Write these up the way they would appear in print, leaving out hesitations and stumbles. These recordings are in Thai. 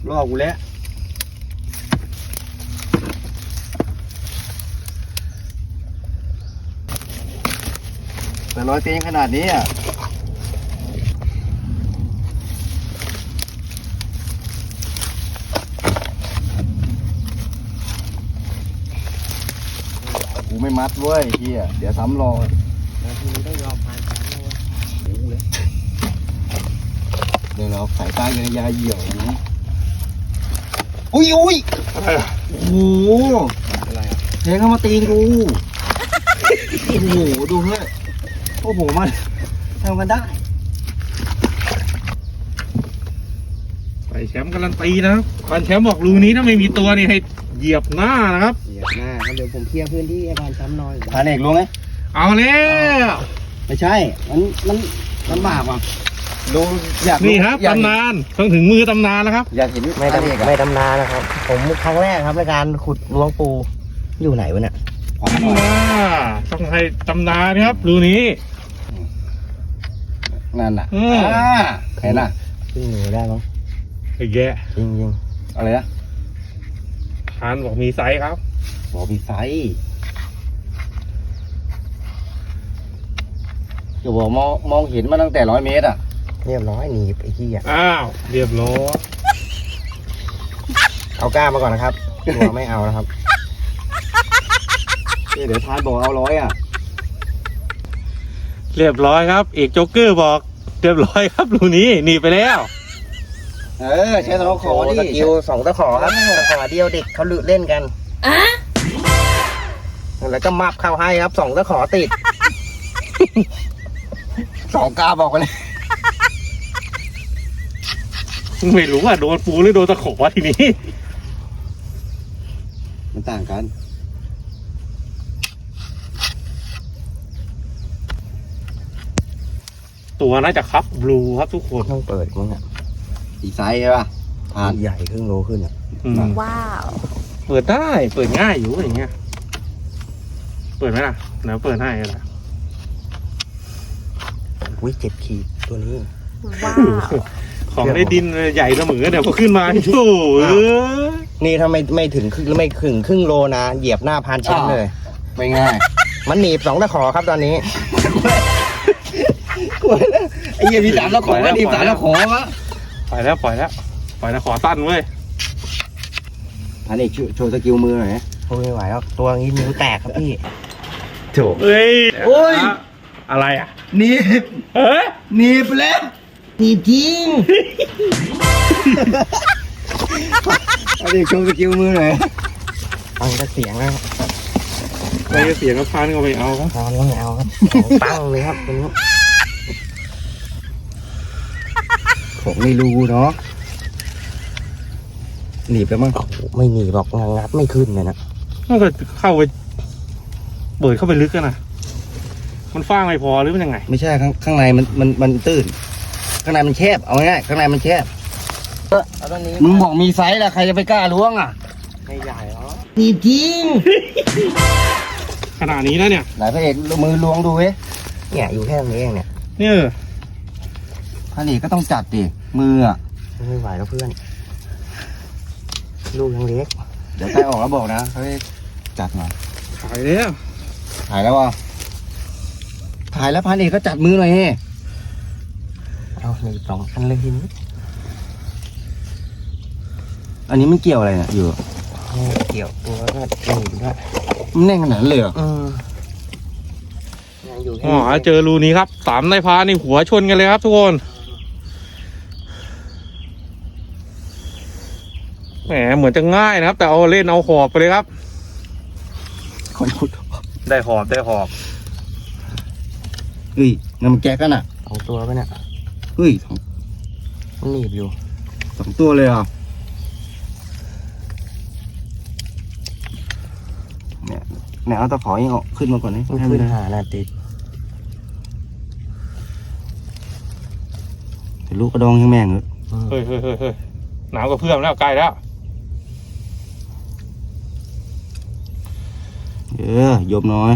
ล่อกูแล้วแต่ร้อยตีนขนาดนี้อ่ะกูไม่มัดเว้ยเฮียเดี๋ยวซ้ำรอแล้วทีนี้ต้องยอมพานช้างเลยโอ้โหเลยเดี๋ยวเราสายตากันยาเหี่ยวนะอุ้ยโอ้โหอะไรอ่ะเทเข้ามาตีกูโอ้โหดูเฮ้ยโอ้โหมันทำกันได้ไปแชมป์การันตีนะครับควานแชมป์บอกรูนี้ถ้าไม่มีตัวนี่ให้เหยียบหน้านะครับเหยียบหน้าครับเดี๋ยวผมเคลียร์พื้นที่ให้พานช้ำน้อยพานเอกรู้ไหมเอาแล้วไม่ใช่มันลำบากว่ะดูอยากนี่ครับอยากตำนานต้องถึงมือตำนานแล้วครับอยากเห็นไม่พานเอกดำไม่ดำนานะครับ ผมครั้งแรกครับในการขุดล้วงปูอยู่ไหนวะเนี่ยขวาหน่อยต้องให้ตำนานนะครับรูนี้นั่นน่ะอืมเห็นน่ะขึ้นหนูได้มั้งไอ้แย่จริงจริงอะไรนะทานบอกมีไซส์ครับบอกมีไซส์จะบอกมองเห็นมาตั้งแต่100 เมตรอ่ะเรียบร้อยหนีบไอ้ขี้อ่ะอ้าวเรียบร้อยเอาก้ามาก่อนนะครับตัวไม่เอานะครับเดี๋ยวทานบอกเอา100อ่ะเรียบร้อยครับเอกโจ๊กเกอร์บอกเรียบร้อยครับรูนี้หนีไปแล้วใช้ตะขอดิสกิล2 ตะขอครับตะขอเดียวเด็กเขาเล่นกันแล้วก็มับเข้าให้ครับ2 ตะขอติด 2 กาบอกไปเลยไม่รู้ว่าโดนปูหรือโดนตะขอทีนี้มันต่างกันตัวน่าจะครับบลูครับทุกคนต้องเปิดมั้งอ่ะอีไซส์ใช่ป่ะทานใหญ่ครึ่งโลขึ้นอ่ะอืมว้าวเปิดได้เปิดง่ายอยู่อย่างเงี้ยเปิดไหมล่ะเดี๋ยวเปิดให้ล่ะอุ้ย7 ขีดตัวนี้ว้าวของในดินใหญ่เสมอเดี๋ยวพอขึ้นมาโอ้โหนี่ถ้าไม่ถึงครึ่งโลนะเหยียบหน้าพานชั้นเลยไม่ง่ายมันหนีบ2 ตะขอครับตอนนี้ไอ้เหี้ยมี3 ตะขอว่าทีม3 ตะขอวะปล่อยแล้วปล่อยแล้วปล่อยแล้วขอสั้นเว้ยอันนี้โชว์สกิลมือหน่อยโอ้ยไม่ไหวแล้วตัวนี้นิ้วแตกครับพี่โถเฮ้ยโอ้ยอะไรอ่ะหนีบเฮ้ยหนีบไปแล้วหนีบจริงอันนี้โชว์สกิลมือหน่อยฟังแต่เสียงแล้วไปเสียงกับพานก็ไปเอาครับพานก็ไม่เอาครับของปังเลยครับตัวนี้ผมไม่รู้เนาะหนีบแล้วมั้งไม่หนีบอกงัดไม่ขึ้นเลยนะถ้าเกิดเข้าไปเปิดเข้าไปลึกกันนะมันฟ้างไม่พอหรือมันยังไงไม่ใช่ข้างในมันตื้นข้างในมันแคบเอาง่ายๆข้างในมันแคบเอาตอนนี้มึงบอกมีไซส์แล้วใครจะไปกล้าล้วงอ่ะไม่ใหญ่หรอหนีบจริงขนาดนี้แล้วเนี่ยไหนพระเอกมือล้วงดูเว้ยเนี่ยอยู่แค่ตรงนี้เองเนี่ยเนี่ยพระเอกก็ต้องจัดดิมืออ่ะไม่ไหวแล้วเพื่อนลูกยังเล็กเดี๋ยวใกล้ออกแล้วบอกนะเฮ้ยจัดหน่อยขายแล้วถ่ายแล้ววะถ่ายแล้วพันเอกก็จัดมือหน่อยเฮ้เอาหนีบ2 อันเลยทีนี้อันนี้มันเกี่ยวอะไรเนี่ยอยู่เกี่ยวตัวก็หนีบด้วยมันแน่นขนาดนั้นเลยเหรอยังอยู่แค่อ๋อเจอรูนี้ครับ3 ในพานนี่หัวชนกันเลยครับทุกคนแหมเหมือนจะง่ายนะครับ แต่เอาเล่นเอาหอบไปเลยครับคนขุดได้หอบได้หอบเฮ้ยนั่นมันแก๊กกันอ่ะ 2 ตัวไปเนี่ยเฮ้ยมันหนีบอยู่ 2 ตัวเลยอ่ะเนี่ยเอาตะขอยังออกขึ้นมาก่อนนี่มันขึ้นหาหน้าติดแต่ลูกกระดองยังแม่งเหรอเฮ้ยหนาวกับเพื่อนแล้วใกล้แล้วยมน้อย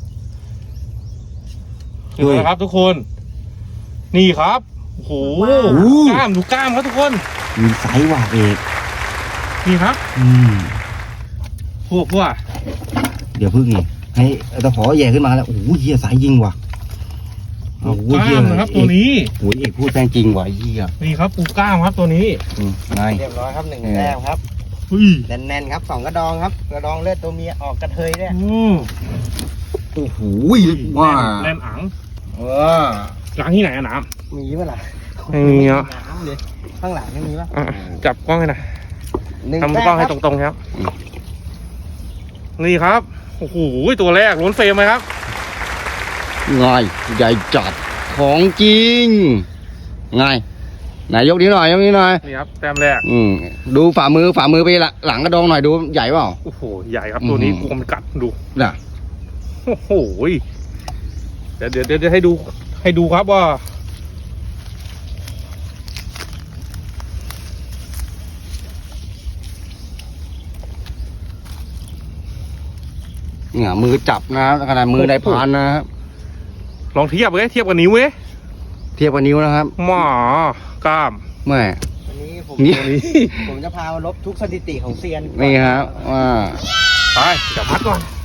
ดูนะครับทุกคน นี่ครับโอ้โหกล้ามดูกล้ามครับทุกคนมีไซส์ว่ะเอกนี่ครับ พวกเดี๋ยวพึ่งนี่ให้ตะขอแย่ขึ้นมาแล้วโอ้โหเฮียไซส์ยิงว่ะปูกล้ามนะครับตัวนี้โอ้ยเอกพูดแป้งจริงว่ะเฮียนี่ครับปูกล้ามครับตัวนี้ไงเรียบร้อยครับ1แต้มครับอุ้ยแน่นๆครับ2กระดองครับกระดองเลือดตัวเมียออกกระเทยเนี่ยโอ้โหว่าแล่นอังว้าล้างที่ไหนอะน้มีปะล่ะไม่มีอ่ะน้ำเลยข้างหลังไม่มีปะำอ่ะจับกล้องให้หน่อย 1 ทำแต้กล้องมให้ครับตรงๆครับ นี่ครับ โอ้โห ตัวแรกล้นเฟรมไหมครับไงใหญ่จัดของจริงไงไหนยกนี้หน่อยยกนี้หน่อยนี่ครับ แต้มแรกดูฝ่ามือไปหลังกระดองหน่อยดูใหญ่เปล่าโอ้โห ใหญ่ครับตัวนี้อืมกลัวมันกัดดูน่ะโอ้โห เดี๋ยวให้ดูครับว่าเนี่ยมือจับนะขนาดมือในพานนะครับลองเทียบเทียบกับนิ้วเว้ยเทียบกับนิ้วนะครับหมอกล้ามแม่วันนี้ผมนี่ผมจะพามาลบทุกสถิติของเซียนนี่ครับว่าไปเดี๋ยวมัดก่อน